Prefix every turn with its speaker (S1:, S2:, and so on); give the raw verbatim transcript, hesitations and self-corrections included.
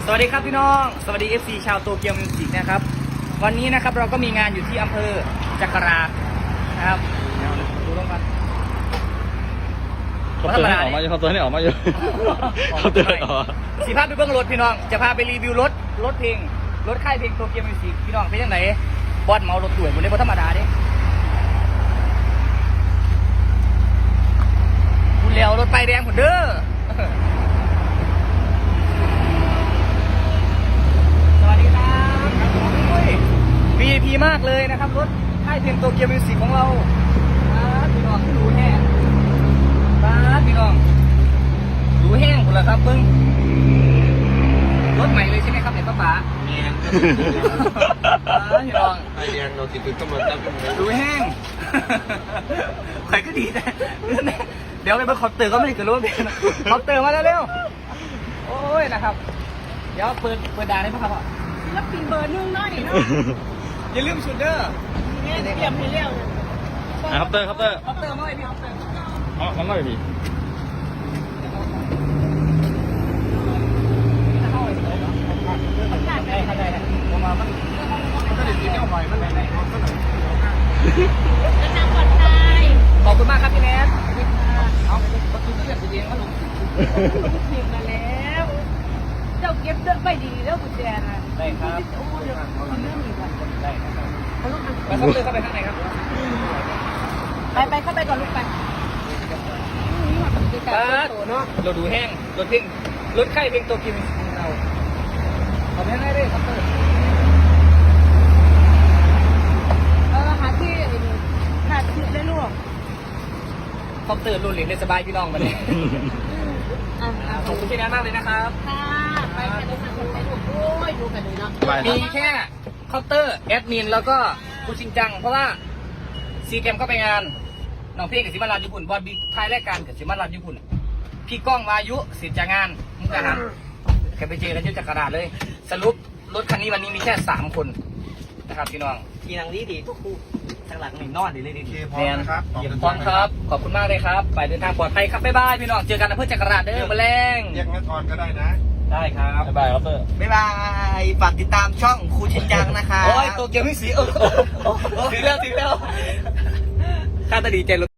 S1: สวัสดีครับพี่น้องสวัสดี เอฟ ซี ชาวโตเกียวมิวสิกนะครับวันนี้นะครับเราก็มีงานอยู่ที่อำเภอจักรานะครับเดี๋ยวดูลงกัน
S2: เขาเตือนให้ออกมาอยู่เขาเตือนให้ออกมาอยู่เขาเตือนให้ออก
S1: สีภาพไปเบื้องรถพี่น้องจะพาไปรีวิวรถรถเพลงรถค่ายเพลงโตเกียวมิวสิกพี่น้องเป็นยังไงบอสเมารถสวยบนนี้บนธรรมดาเด้คุณเลี้ยวรถไปแดงผมเด้อสวัสดีครับวี ไอ พี มากเลยนะครับรถค่ายเพลงโตเกียวมิวสิกของเราพี่น้องดูแห้งพี่น้องดูแห้งหมดแล้วครับเบิ้งรถใหม่เลยใช่ไหมครับเนี่ยป้าป๋า
S3: เมียน
S1: พี่น้อง
S3: ไอเดียเราติดตำรวจจับเป็นไง
S1: ดูแห้งใครก็ดีนะเดี๋ยวไปเบิ้งคอปเตอร์ก็ไม่ได้เกิดรู้เป็นคอปเตอร์มาแล้วเร็วโอ้ยนะครับเดี๋ยวเปิดเปิดด่านให้พ่อครับแล้วปีเบอร์นึ่งน้อยเนาะอย่าลืมชุดเด้อเนี่ยเตรียมให้เร็ว
S2: ครับเตอร์ครับเตอร์
S1: คอปเตอร์มาเลยพี่คอปเตอร์
S2: อ๋อมันไม่มี
S1: ได้ได้ได้ผมมามันมันก็เลยตีเจ้าใหม่มันไหนๆมันก็ไหน
S4: แล้วนางปลอดภัย
S1: ขอบคุณมากครับพี่แนทเอาประตูที่อยากจะเลี้ยงก็ลง
S4: เสียงมาแล้ว เจ้าเก็บเดินไปดีแล้วกุญแจนะ
S1: ได้ครับ
S4: โอ้เดี๋ยวคุณเรื่องอีกอ่ะ
S1: ได้ครับ
S4: เขาต้อง
S1: ไปเข้าไปเข้าไปข้างในครับ
S4: ไปไปเข้าไปก่อนลูกไปนี่มันเป็นการโตเนาะ
S1: เราดูแห้งรถเพลงรถค่ายเพลงโตเกียวของเราขอบคุณให้ได้ครับเตอร์
S4: เออหาที่หาที่ได้ลูก
S1: คอปเตอร์รุ่นเหรียญได้สบายพี่น้องมาเลย
S4: อ่า
S1: ขอบคุณพี่แนทมากเลยนะครับ
S4: ค่ะไปกันเลยค่ะคนไปลูกโอ้ยดูกันเลยเนาะ
S1: มีแค่คอปเตอร์แอดมินแล้วก็คุณชินจังเพราะว่าซีเกมเข้าไปงานน้องพี่กับสิมาลาญี่ปุ่นบอลบิ๊กทายรายการกับสิมาลาญี่ปุ่นพี่ก้องวายุสิทธิ์จากงานมุกดาหารแค่ไปเจอกันที่จักรราชเลย สรุปรถคันนี้วันนี้มีแค่สามคนนะครับพี่น้องพี่นางดีดีทุกคู่ทางหลังนี่นอนดีเลยดี
S3: พร้อมนะครับ
S1: พร้อมครับขอบคุณมากเลยครับไปเดินทางปลอดภัยครับบ๊ายบายพี่น้องเจอกันอำเภอจักรราชเด้อมาแรง
S3: เรียกนักกรก็ได้นะ
S1: ได้ครับ
S2: บ๊ายบายครับเตอร์
S1: บ๊ายบายฝากติดตามช่องครูชินจังนะคะโอ้ยตัวเกียวไม่สีเออถึงแล้วถึงแล้วข้าตาดีใจ